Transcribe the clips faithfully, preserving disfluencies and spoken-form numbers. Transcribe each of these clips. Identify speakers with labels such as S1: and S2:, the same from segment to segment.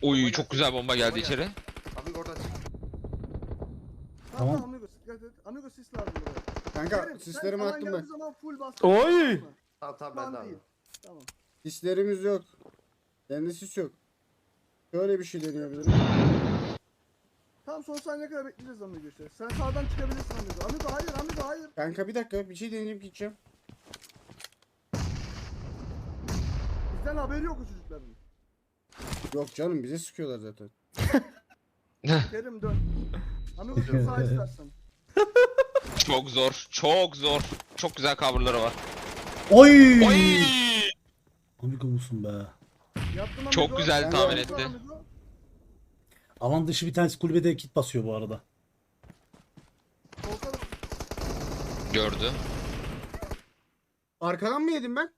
S1: Oy çok güzel bomba geldi içeri.
S2: Amigo oradan çık.
S3: Tamam.
S4: Tamam Amigo dikkat et. Amigo sis lazım buraya.
S5: Kanka
S4: Kerim,
S5: sislerimi
S4: sen alan
S5: attım
S4: geldiği
S5: ben.
S4: zaman full bas.
S3: Oy!
S2: Tamam tamam ben de
S4: Lan
S2: abi.
S4: değil. Tamam.
S5: Sislerimiz yok. Bende sis yok. Şöyle bir şey deneyebilirim.
S4: Tam son saniye kadar bekleyeceğiz Amigo işte. Sen sağdan çıkabilirsin Amigo. Amigo hayır Amigo hayır.
S5: Kanka bir dakika bir şey deneyip gideceğim.
S4: Bizden haberi yok o çocukların.
S5: Yok canım bize sıkıyorlar zaten.
S4: Kerim dön. Amigo sen sağ istersen.
S1: Çok zor. Çok zor. Çok güzel coverları var.
S3: Oy!
S1: Oy!
S3: Amigo musun be?
S4: Yaptım Amigo.
S1: Çok güzel
S5: Ben
S1: tahmin
S5: de-
S1: etti.
S4: Amigo.
S3: Alan dışı bir tanesi kulübede kit basıyor bu arada.
S4: Solda
S1: Gördü.
S5: Arkadan mı yedim ben?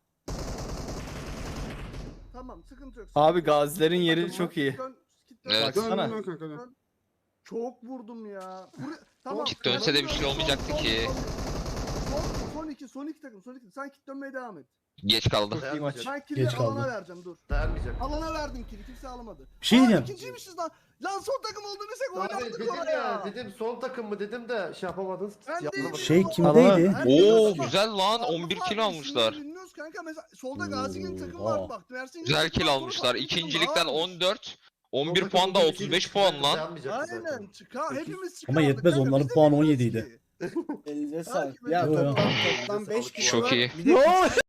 S4: tamam sıkıntı yok.
S6: Abi
S4: sıkıntı yok.
S6: gazilerin yeri
S4: Takımı,
S6: çok iyi.
S4: dön, git dön.
S1: Evet.
S5: Dön
S6: Baksana.
S5: dön kanka dön.
S4: Çok vurdum ya. Buraya, tamam.
S1: Kit dönse de bir şey
S4: Son-
S1: olmayacaktı
S4: son-
S1: ki.
S4: Son, son iki, son iki takım, son iki. Sen kit dönmeye devam et.
S1: Geç kaldı.
S2: Dayanmayacak.
S4: Ben kill'i
S3: Geç
S4: alana
S3: kaldı.
S4: vereceğim dur.
S2: Dayanmayacak.
S4: Alana verdim kill'i, kimse alamadı.
S3: Bir şey
S4: Aa,
S3: diyeceğim.
S4: İkinciymişiz lan. Lan son takım olduğunu bilsek
S2: Abi
S4: oynardık
S2: dedim
S4: oraya.
S2: ya dedim son takım mı dedim de şey yapamadınız.
S4: Ben de
S2: Yapamadım.
S3: Şey
S4: Alan-
S3: kimdeydi?
S4: Herkes
S1: Oo
S4: aldı.
S1: güzel lan.
S4: Aldı
S1: on bir
S4: var,
S1: kill
S4: isimleri
S1: almışlar.
S4: Bilmiyoruz kanka mesela solda Gazi'nin takımı
S3: Oha.
S4: var bak. Mersin'in
S1: Güzel kill
S4: takımı var,
S1: almışlar.
S4: farklı bir takım
S1: İkincilikten
S4: daha
S1: on dört.
S2: Son
S1: on bir
S2: takım
S1: puan da
S2: olduğu
S1: otuz
S2: için
S1: beş puan lan.
S2: dayanmayacak zaten.
S4: Aynen çıkar
S2: Sekiz.
S4: hepimiz çıkardık.
S3: Ama yetmez,
S4: kanka,
S3: onların
S4: biz de
S3: puanı on
S4: bilmiyoruz
S3: yedi
S4: ki.
S3: idi.
S5: Elinize
S4: sağlık.
S5: Ya
S3: Yo, yo.
S5: toplam, toplam beş kişi
S1: Çok
S5: var.
S1: iyi.
S5: Bir de